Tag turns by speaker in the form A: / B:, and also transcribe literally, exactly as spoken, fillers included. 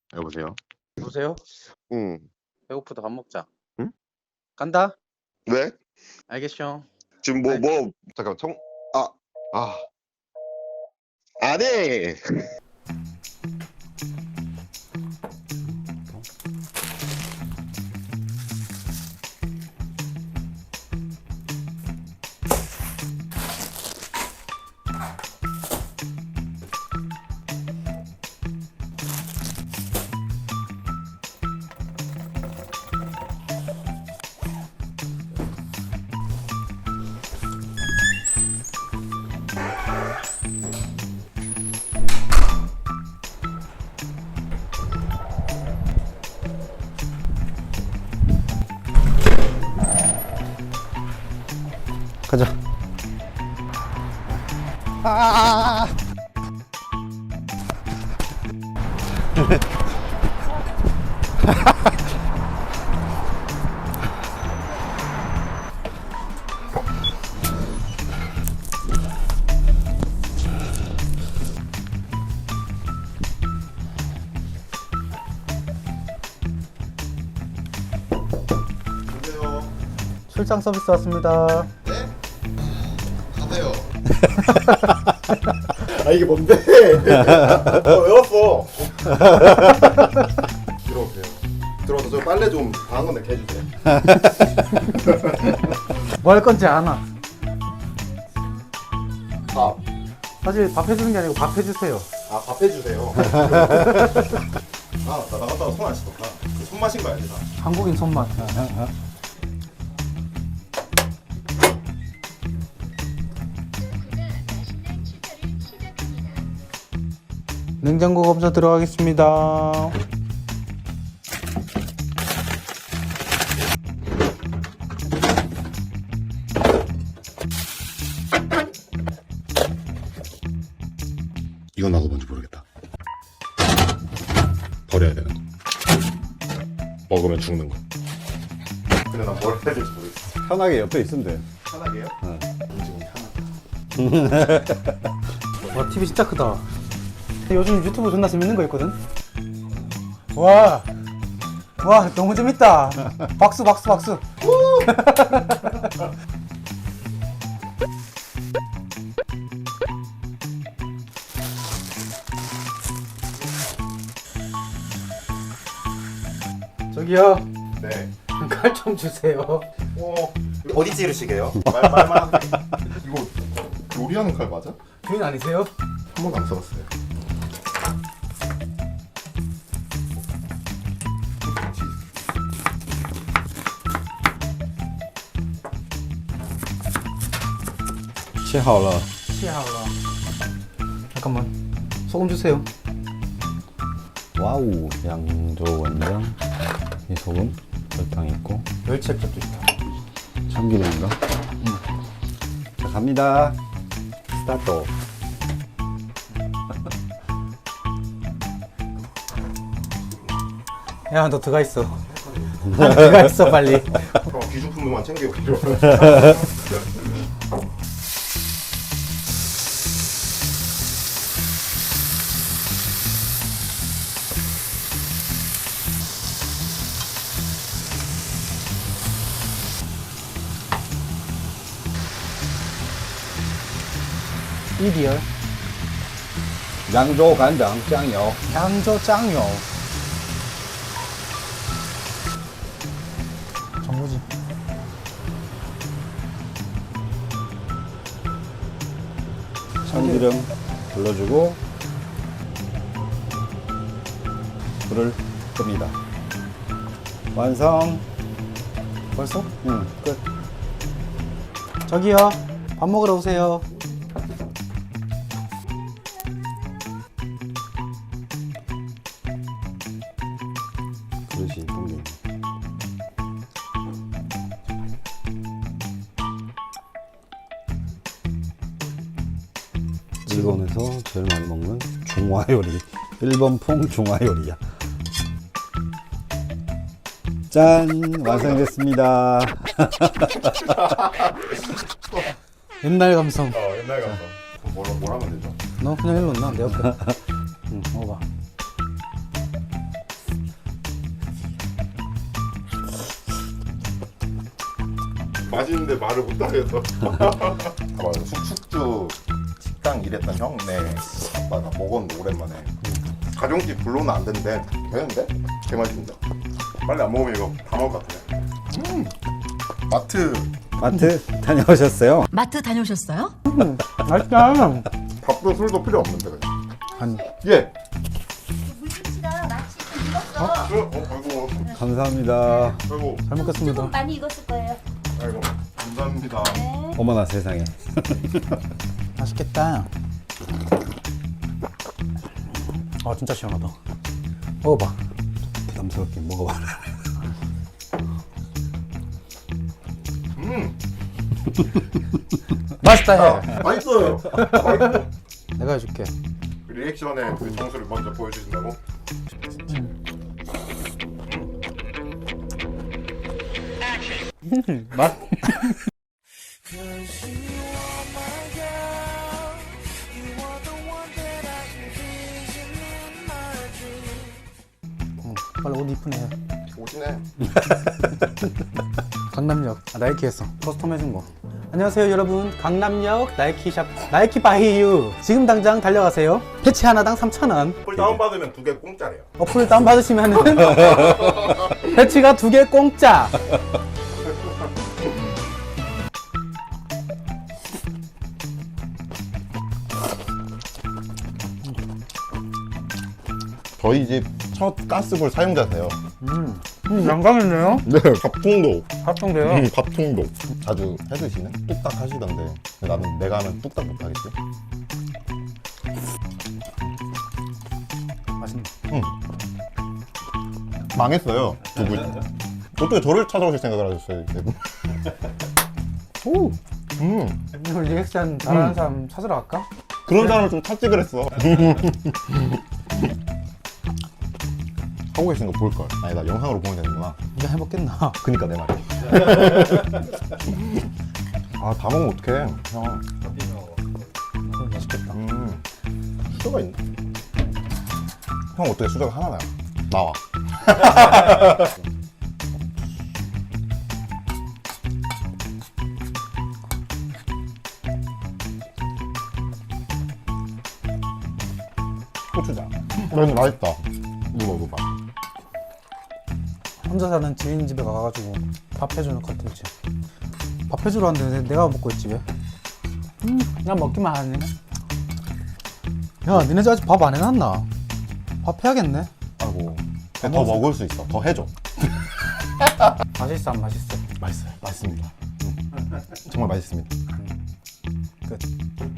A: 여보세요?
B: 여보세요?
A: 응.
B: 배고프다. 밥 먹자.
A: 응?
B: 간다?
A: 왜?
B: 알겠쇼.
A: 지금 뭐,
B: 아이.
A: 뭐, 잠깐, 청, 아, 아. 안 해!
C: 가자. 아! 출장 서비스 왔습니다.
D: 네? 가세요.
C: 아 이게 뭔데?
D: 어, 왜 왔어? 들어오세요. 들어와서 저 빨래 좀 다한 건데 개주세요.
B: 뭐 할 건지 아나.
D: 밥.
B: 사실 밥 해주는 게 아니고 밥 해주세요.
D: 아, 밥 해주세요. 아, 나 나갔다가 손 안 씻었다. 손 마신 거 알지, 나?
B: 한국인 손맛. 냉장고 검사 들어가겠습니다.
D: 이건 나도 뭔지 모르겠다. 버려야 되는 거. 먹으면 죽는 거. 근데 난 뭘 해야 될지 모르겠어.
C: 편하게 옆에 있으면 돼.
D: 편하게요?
C: 응.
D: 지금 편하다.
B: 와, 티비 진짜 크다. 요즘 유튜브 존나 재밌는 거 있거든? 와, 와, 너무 재밌다. 박수, 박수, 박수. 저기요,
D: 네.
B: 칼 좀 주세요.
D: 어, 어디 찌르시게요? 말, 말만 하세요. 이거 요리하는 칼 맞아?
B: 주인 아니세요?
D: 한 번도 안 써봤어요.
C: 切好了.
B: 시하오라. 잠깐만, 소금 주세요.
C: 와우, 양조 원장. 이 소금, 설탕 있고,
B: 멸치액젓도 있다.
C: 참기름인가? 응. 자, 갑니다. 스타트.
B: 야, 너 들어가 있어. 들어가 있어, 빨리.
D: 그럼 귀중품만 챙겨오기로.
B: 이리얼.
C: 양조 간장, 짱요.
B: 양조 짱요. 정무지.
C: 참기름 불러주고, 불을 끕니다. 완성.
B: 벌써?
C: 응, 끝.
B: 저기요, 밥 먹으러 오세요.
C: 그릇이 동네. 일본에서 제일 많이 먹는 중화 요리. 일본풍 중화 요리야. 짠! 완성됐습니다.
B: 옛날 감성.
D: 어, 옛날 감성. 그럼 뭘, 뭘 하면 되죠?
B: 너 그냥 일로 나, 내 옆에. 응, 먹어봐.
D: 맛있는데 말을 못하겠어.
A: 아, 맞아. 숙숙주 식당 일했던 형네 아빠가 먹었는데 오랜만에 가정집 불러는 안 된대. 되는데? 개 맛있는데.
D: 빨리 안 먹으면 이거 다 먹을 것 같아.
A: 음. 마트
C: 마트 다녀오셨어요?
E: 마트 다녀오셨어요?
B: 맛있다.
A: 밥도 술도 필요 없는데 그냥.
B: 한
A: 예.
F: 물김치가 마치 좀 익었어.
D: 어, 어, 아이고,
C: 감사합니다.
D: 아이고,
B: 잘 먹겠습니다.
F: 조금 많이 익었을 거예요.
D: 아이고. 감사합니다.
F: 네.
C: 어머나 세상에.
B: 맛있겠다. 아 진짜 시원하다. 먹어봐.
C: 부담스럽게 먹어봐라.
D: 음,
B: 맛있다 해.
A: 맛있어요.
B: 내가 해줄게.
D: 리액션에 그 장소를 먼저 보여주신다고?
B: 맛. 응, 빨리 옷 이쁘네.
A: 오시네.
B: 강남역 아, 나이키에서 커스텀 해준 거. 안녕하세요 여러분, 강남역 나이키샵 나이키 바이유 지금 당장 달려가세요. 패치 하나당 삼천 원.
D: 폴 다운받으면 두 개 공짜래요.
B: 어플 다운받으시면은 패치가 두 개 공짜.
A: 저희 집 첫 가스불 사용자세요.
B: 음, 음 영광이네요.
A: 네. 밥통도.
B: 합성돼요.
A: 음, 밥통도. 자주 해드시는? 뚝딱 하시던데. 근데 나는 내가 하면 뚝딱 못하겠지?
B: 맛있네.
A: 응. 망했어요. 두 분. 어떻게 저를 찾아오실 생각을 하셨어요? 이렇게. 오. 음.
B: 오늘 리액션 잘하는 사람 찾으러 갈까?
A: 그런 사람을 좀 찾지 그랬어. 하고 계신 거 볼걸. 아니, 나 영상으로 보면 되는구나.
B: 이거 해먹겠나?
A: 그니까 내 말이야. 아, 다 먹으면 어떡해, 형.
B: 음, 맛있겠다.
A: 음. 수저가 있네. 형 어떻게 수저가 하나 나요? 나와. 고추장. 근데 맛있다. 이거 먹어봐.
B: 혼자 사는 지인 집에 가가지고 밥 해주는 컨텐츠. 밥 해주러 왔는데 내가 먹고 있지 왜? 음, 그냥 먹기만 하네. 야, 니네 집 아직 밥 안 해놨나? 밥 해야겠네.
A: 아이고. 더 먹을 수 있어. 더 해줘.
B: 맛있어 안 맛있어?
A: 맛있어요. 맛있습니다. 음. 정말 맛있습니다.
B: 끝.